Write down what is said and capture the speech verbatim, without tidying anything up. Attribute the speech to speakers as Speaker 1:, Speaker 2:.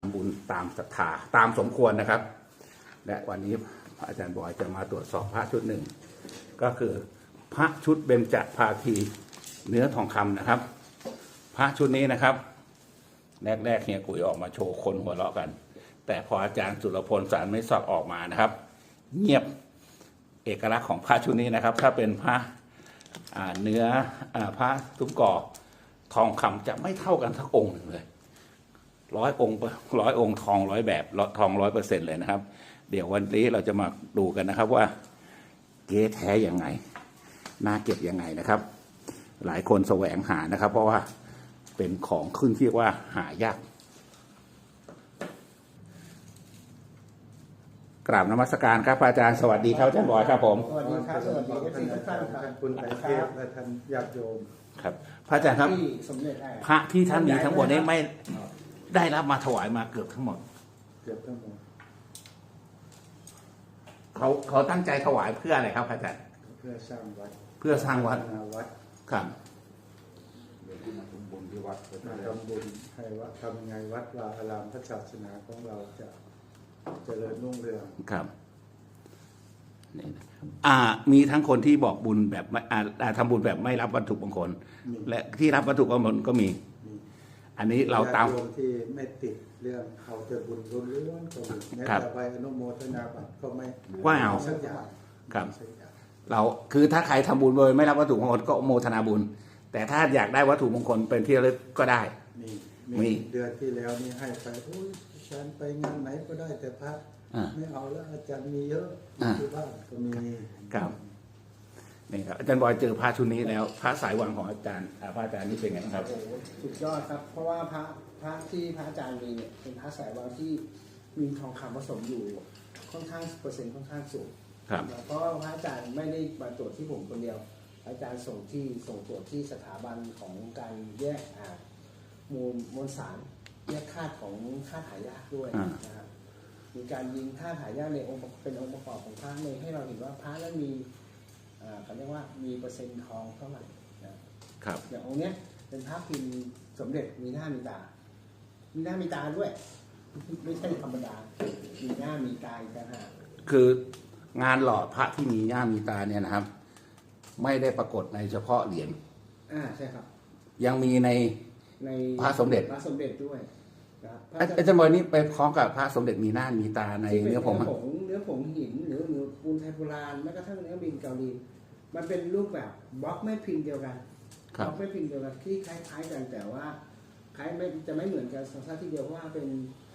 Speaker 1: บุญตามศรัทธาตามสมควรนะครับและวันนี้พระอาจารย์บอยจะมาตรวจสอบพระชุดหนึ่งก็คือพระชุดเบญจภาคีเนื้อทองคำนะครับพระชุดนี้นะครับแรกๆเฮียกุยออกมาโชว์คนหัวเราะกันแต่พออาจารย์สุรพลสารไม่สอดออกมานะครับเงียบเอกลักษณ์ของพระชุดนี้นะครับถ้าเป็นพระเนื้อพระตุ้มก่อทองคำจะไม่เท่ากันทักองค์หนึ่งเลยร้อยองค์ร้อยองค์ทองร้อยแบบทองร้อยเปอร์เซ็นต์เลยนะครับเดี๋ยววันนี้เราจะมาดูกันนะครับว่าเก๊แท้ยังไงน่าเก็บยังไงนะครับหลายคนแสวงหานะครับเพราะว่าเป็นของขึ้นที่ว่าหายากกราบนมัสการครับอาจารย์สวัสดีครับอาจารย์บอยครับผม
Speaker 2: สวัสดีครับสวัสดีเอฟซีทุกท่านครับ
Speaker 3: คุณไตรเทพและท่านญาติโยม
Speaker 1: ครับพระอาจารย์ครับพระที่ท่านมีทั้งหมดนี้ไม่ได้รับมาถวายมาเกือบทั้งหมด
Speaker 3: เกือบทั้งหมด
Speaker 1: เขาเขาตั้งใจถวายเพื่ออะไรครับอาจารย์
Speaker 3: เพื่อสร้างวัด
Speaker 1: เพื่อสร้างวัด
Speaker 3: วัด
Speaker 1: ครับ
Speaker 3: เดี๋ยวที่มาทำบุญที่วัดมาทำบุญให้วัดทำไงวัดวาอารามพระศาสนาของเราจะเจริญรุ่งเรือง
Speaker 1: ครับนี่อ่ามีทั้งคนที่บอกบุญแบบอ่าทำบุญแบบไม่รับวัตถุมงคลและที่รับวัตถุมงคลก็มีอันนี้เราตาม
Speaker 3: ที่ไม่ติดเรื่องเอาแต่บุญล้วนๆก็มีแม้แต่ใบอนุโมทนาบัตรก็ไม่
Speaker 1: ว่าเอา
Speaker 3: สักอย่าง
Speaker 1: ครับเราคือถ้าใครทำบุญโดยไม่รับวัตถุมงคลก็โมทนาบุญแต่ถ้าอยากได้วัตถุมงคลเป็นที่ระลึกก็ได้
Speaker 3: มีมีเดือนที่แล้วนี่ให้ไปโอ้ยฉันไปงานไหนก็ได้แต่พระไม่เอาแล้วอาจารย์มีเยอะที่บ้านก็มี
Speaker 1: ครับนี่ครับอาจารย์บอยเจอพระชุดนี้แล้วพระสายวังของอาจารย์พระอาจารย์นี่เป็นไงครับ
Speaker 2: สุดยอดครับเพราะว่าพระพระที่พระอาจารย์มีเนี่ยเป็นพระสายวังที่มีทองคำผสมอยู่ค่อนข้างเปอร์เซ็นต์ค่อนข้างสูงเพราะพระอาจารย์ไม่ได้มาตรวจที่ผมคนเดียวอาจารย์ส่งที่ส่งตรวจที่สถาบันของการแยกมูลมวลสารแยกธาตุของธาตุหายากด้วยนะครับมีการยิงธาตุหายากในองค์เป็นองค์ประกอบของพระเลยให้เราเห็นว่าพระนั้นมีเขาเรียกว่ามีเปอร์เซ็นต์ทองเท่าไหร่นะครับอย่างองค์เนี้ยเป็นพระพิมพ์สมเด็จมีหน้ามีตา มีหน้ามีตาด้วยไม่ใช่ธรรมดามีหน้ามีตาอีกต่างหาก
Speaker 1: คืองานหล่อพระที่มีหน้ามีตาเนี่ยนะครับไม่ได้ปรากฏในเฉพาะเหรียญ
Speaker 2: อ่าใช่ครับ
Speaker 1: ยังมีใน
Speaker 2: ใน
Speaker 1: พระสมเด็จ
Speaker 2: พระสมเด็จด้วย
Speaker 1: อาจารย์บอยนี่ไปพร้อมกับพระสมเด็จมีหน้ามีตาในเนื้อผง
Speaker 2: เนื้อผงหินหรือเนื้อปูนไทยโบราณแม้กระทั่งเนื้อบินเกาหลีมันเป็นรูปแบบบล็อกไม่พิมพ์เดียวกันบล็อกไม่พิมพ์เดียวกันที่คล้ายๆกันแต่ว่าคล้ายไม่จะไม่เหมือนกันสักทีเดียวเพราะว่าเป็น